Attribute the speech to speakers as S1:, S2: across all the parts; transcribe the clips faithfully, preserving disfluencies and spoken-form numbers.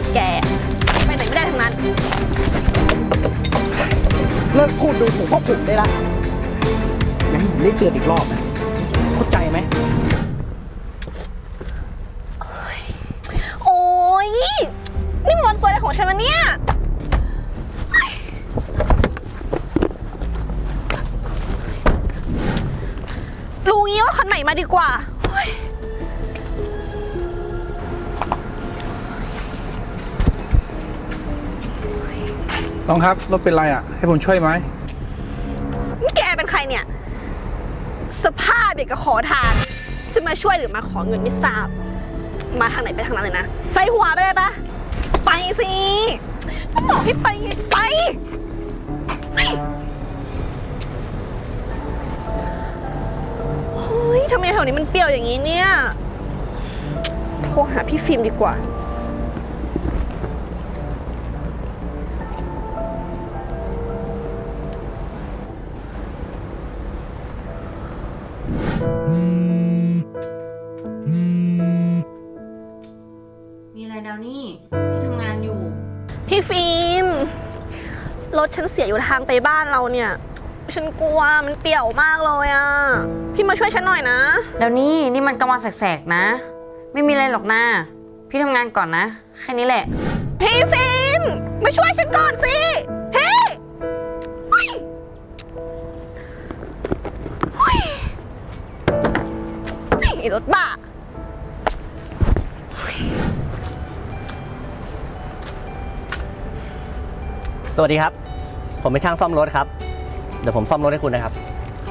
S1: อย่างแกไปไหนไม่ได้ทั้งนั้น
S2: เลิกพูดดูถูกพวกผมได้ละงั้นผมเรียกเตือนอีกรอบนะเข้าใจไหม
S1: โอ้ยนี่มันวันสวยอะไรของฉันวะเนี่ยรู้งี้ว่าคันใหม่มาดีกว่า
S3: น้องครับรถเป็นไรอ่ะให้ผมช่วยไหม
S1: นี่แกเป็นใครเนี่ยสภาพเด็กกับขอทานจะมาช่วยหรือมาขอเงินไม่ทราบมาทางไหนไปทางนั้นเลยนะใส่หัวไปเลยปะไปสิก็บอกให้ไปไงไปเฮ้ยทำไมแถวนี้มันเปรี้ยวอย่างนี้เนี่ยโทรหาพี่ฟิล์มดีกว่า
S4: มีอะไรดาวนี่พี่ทำงานอยู่
S1: พี่ฟิล์มรถฉันเสียอยู่ทางไปบ้านเราเนี่ยฉันกลัวมันเปี่ยวมากเลยอ่ะพี่มาช่วยฉันหน่อยนะ
S4: ดาวนี่นี่มันกลางวันแสกๆนะไม่มีอะไรหรอกนะพี่ทำงานก่อนนะแค่นี้แหละ
S1: พี่ฟิล์มมาช่วยฉันก่อนสิพี่เฮ้ยเฮ้ยไอ้รถบ้า
S2: สวัสดีครับผมเป็นช่างซ่อมรถครับเดี๋ยวผมซ่อมรถให้คุณนะครับ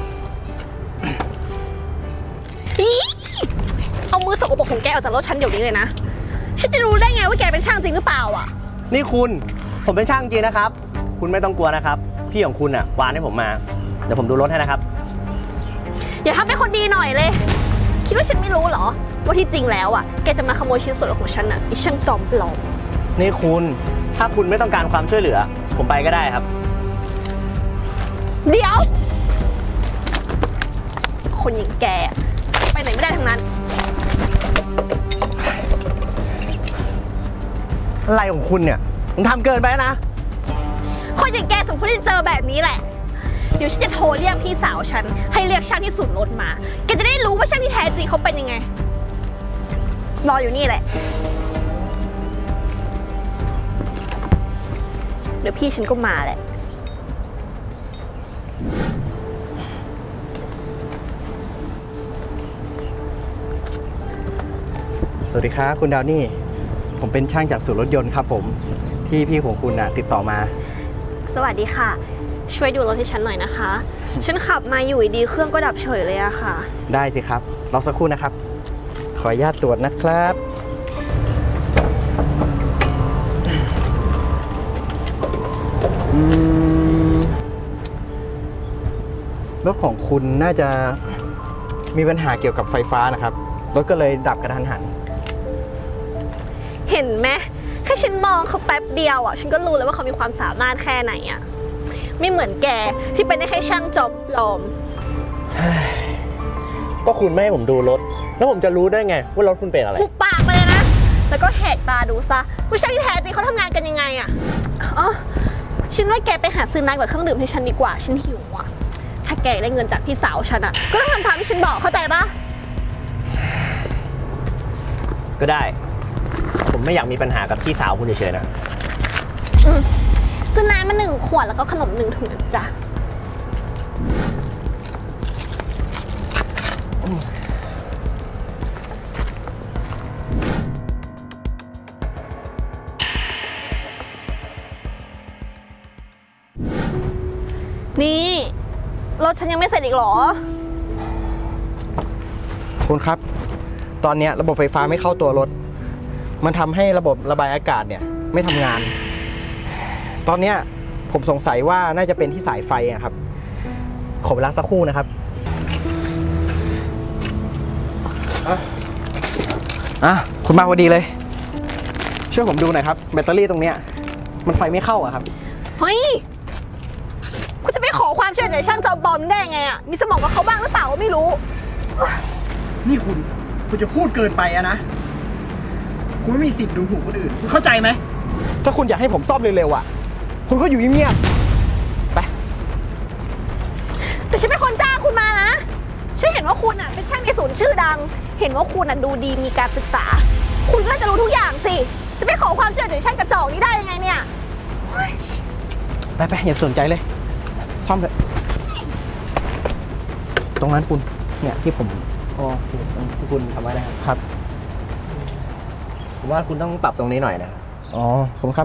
S1: เอามือสกปรกของแกออกจากรถฉันเดี๋ยวนี้เลยนะฉันจะรู้ได้ไงว่าแกเป็นช่างจริงหรือเปล่าอ่ะ
S2: นี่คุณผมเป็นช่างจริงนะครับคุณไม่ต้องกลัวนะครับพี่ของคุณอ่ะวานให้ผมมาเดี๋ยวผมดูรถให้นะครับ
S1: อย่าทำเป็นคนดีหน่อยเลยคิดว่าฉันไม่รู้เหรอว่าที่จริงแล้วอ่ะแกจะมาขโมยชิ้นส่วนของฉันอ่ะไอ้ช่างจอมปลอม
S2: นี่คุณถ้าคุณไม่ต้องการความช่วยเหลือผมไปก็ได้ครับ
S1: เดี๋ยวคนอย่างแกไปไหนไม่ได้ทั้งนั้น
S2: อะไรของคุณเนี่ยมึงทำเกินไปนะ
S1: คนอย่างแกสมควรที่จะเจอแบบนี้แหละเดี๋ยวฉันจะโทรเรียกพี่สาวฉันให้เรียกช่างที่ศูนย์รถมาแกจะได้รู้ว่าช่างที่แท้จริงเขาเป็นยังไงรออยู่นี่แหละเดี๋ยวพี่ฉันก็มาแหละ
S2: สวัสดีครับคุณดาวนี่ผมเป็นช่างจากศูนย์รถยนต์ครับผมที่พี่ของคุณน่ะติดต่อมา
S1: สวัสดีค่ะช่วยดูรถให้ฉันหน่อยนะคะฉันขับมาอยู่ดีเครื่องก็ดับเฉยเลยอะค่ะ
S2: ได้สิครับรอสักครู่นะครับขออนุญาตตรวจนะครับรถของคุณน่าจะมีปัญหาเกี่ยวกับไฟฟ้านะครับรถก็เลยดับกระทันหัน
S1: เห็นไหมแค่ฉันมองเขาแป๊บเดียวอ่ะฉันก็รู้แล้วว่าเขามีความสามารถแค่ไหนอ่ะไม่เหมือนแกที่เป็นได้แค่ช่างจอบปลอม
S2: ก็คุณไม่ให้ผมดูรถแล้วผมจะรู้ได้ไงว่ารถคุณเป็นอะไร
S1: หุบปากไปเลยนะแล้วก็แหกตาดูซะว่าช่างที่แท้จริงเขาทำงานกันยังไงอ่ะอ๋อฉันว่าแกไปหาซื้อน้ำกับเครื่องดื่มให้ฉันดีกว่าฉันหิวอ่ะถ้าแกได้เงินจากพี่สาวฉันอ่ะก็ต้องทำตามที่ฉันบอกเข้าใจปะ
S2: ก็ได้ผมไม่อยากมีปัญหากับพี่สาวคุณเฉยๆนะ
S1: ซื้อน้ำมาหนึ่งขวดแล้วก็ขนมหนึ่งถุงนะจ๊ะนี่รถฉันยังไม่เสร็จอีกหรอ
S2: คุณครับตอนนี้ระบบไฟฟ้าไม่เข้าตัวรถมันทำให้ระบบระบายอากาศเนี่ยไม่ทำงานตอนนี้ผมสงสัยว่าน่าจะเป็นที่สายไฟครับขอเวลาสักครู่นะครับอ่ะคุณมาพอดีเลยช่วยผมดูหน่อยครับแบตเตอรี่ตรงเนี้ยมันไฟไม่เข้าอะครับ
S1: เฮ้ยคุณจะไปขอความช่วยเหลือจากช่างจอมปลอมได้ไงอ่ะมีสมองกับเขาบ้างหรือเปล่าก็ไม่รู้
S2: นี่คุณคุณจะพูดเกินไปอะนะคุณไม่มีสิทธิ์ดูถูกคนอื่น คุณเข้าใจไหม ถ้าคุณอยากให้ผมซ่อมเร็วๆอ่ะ คุณก็อยู่เงียบๆไป
S1: แต่ฉันเป็นคนจ้างคุณมานะ ฉันเห็นว่าคุณอ่ะเป็นช่างในศูนย์ชื่อดัง เห็นว่าคุณอ่ะดูดีมีการศึกษา คุณก็น่าจะรู้ทุกอย่างสิ จะไปขอความช่วยเหลือจากช่างกระจอกนี้ได้ยังไงเนี่ย
S2: ไปไปอย่าสนใจเลย ซ่อมเลยตรงนั้นคุณ เนี่ยที่ผมอ๋อที่คุณทำไว้นะครับครับ
S5: ผมว่าคุณต้องปรับตรงนี้หน่อยนะครับ
S2: อ๋อผมครับ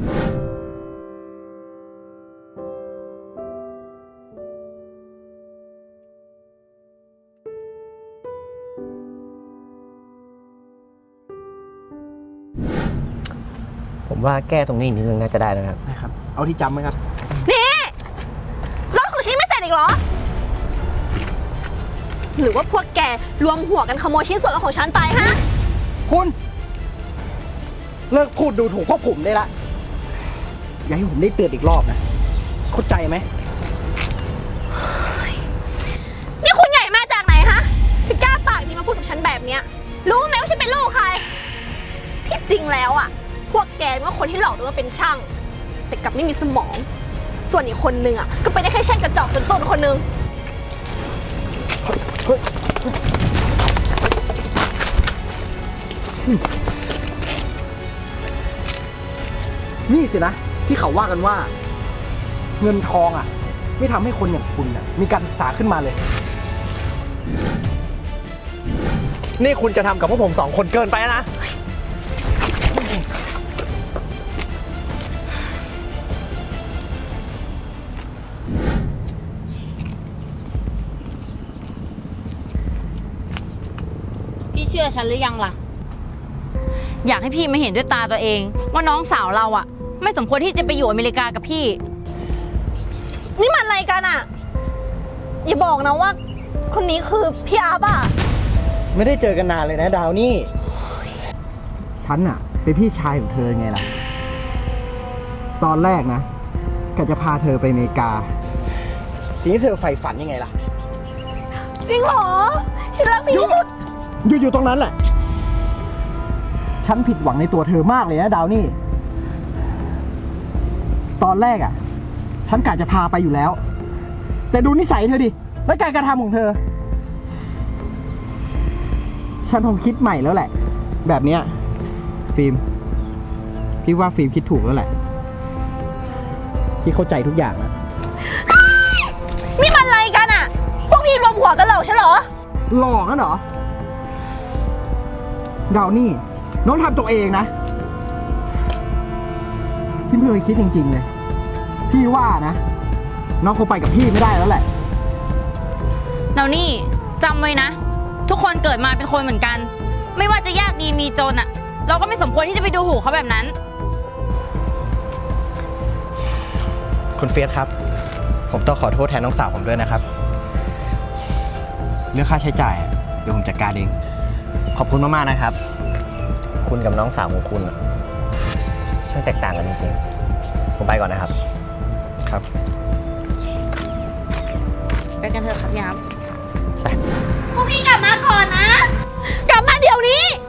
S5: ผมว่าแก้ตรงนี้อีกนิดนึงน่าจะได้นะครับ
S2: นะครับ เอาที่จำไหมครับ
S1: นี่รถของฉันไม่เสร็จอีกเหรอ หรือว่าพวกแกรวมหัวกันขโมยชิ้นส่วนรถของฉันไปฮะ
S2: คุณ เลิกพูดดูถูกพวกผมได้ละ อย่าให้ผมได้เตือนอีกรอบนะ เข้าใจไหม
S1: นี่คุณใหญ่มาจากไหนฮะถึงกล้าปากดีมาพูดกับฉันแบบเนี้ย รู้ไหมว่าฉันเป็นลูกใคร ที่จริงแล้วอ่ะ พวกแกว่าคนที่หลอกตัวว่าเป็นช่าง แต่กลับไม่มีสมอง ส่วนอีกคนนึงอ่ะก็ไปนได้แค่ช่างกระจอกจนๆคนนึง
S2: นี่สินะ ที่เขาว่ากันว่า เงินทองอ่ะ ไม่ทำให้คนอย่างคุณอ่ะมีการศึกษาขึ้นมาเลย
S5: นี่คุณจะทำกับพวกผมสองคนเกินไปนะ
S4: พี่เชื่อฉันหรือยังล่ะ อยากให้พี่มาเห็นด้วยตาตัวเอง ว่าน้องสาวเราอะไม่สมควรที่จะไปอยู่อเมริกากับพี่
S1: นี่มันอะไรกันอ่ะ อย่าบอกนะว่า คนนี้คือพี่อาร์บอ่ะ
S2: ไม่ได้เจอกันนานเลยนะดาวนี่ ฉันอะเป็นพี่ชายของเธอไงล่ะ ตอนแรกนะกะจะพาเธอไปอเมริกา สิ่งที่เธอใฝ่ฝันยังไงล่ะ
S1: จริงเหรอ ฉันรักพี่ที่สุด
S2: อยู่อยู่ตรงนั้นแหละ ฉันผิดหวังในตัวเธอมากเลยนะดาวนี่ ตอนแรกอะฉันกะจะพาไปอยู่แล้ว แต่ดูนิสัยเธอดิ และการกระทำของเธอ ฉันคงคิดใหม่แล้วแหละ แบบเนี้ยฟิล์ม พี่ว่าฟิล์มคิดถูกแล้วแหละ พี่เข้าใจทุกอย่างนะ
S1: นี่มันอะไรกันอ่ะ พวกพี่รวมหัวกันเหรอฉันเหรอ
S2: หลอกกันเหรอ ดาวนี่ น้องทำตัวเองนะ พี่ไม่เคยคิดจริงๆเลย พี่ว่านะ น้องคงไปกับพี่ไม่ได้แล้วแหละ
S4: เรานี่จำไว้นะ ทุกคนเกิดมาเป็นคนเหมือนกัน ไม่ว่าจะยากดีมีจนอะเราก็ไม่สมควรที่จะไปดูถูกเขาแบบนั้น
S2: คุณเฟียสครับ ผมต้องขอโทษแทนน้องสาวผมด้วยนะครับ เรื่องค่าใช้จ่ายอะเดี๋ยวผมจัดการเอง
S5: ขอบคุณมากๆนะครับ คุณกับน้องสาวของคุณอะช่างแตกต่างกันจริงๆ ผมไปก่อนนะครับ
S2: ครับ
S4: ไปกันเถอะครับยาม
S1: พวกพี่กลับมาก่อนนะ กลับมาเดี๋ยวนี้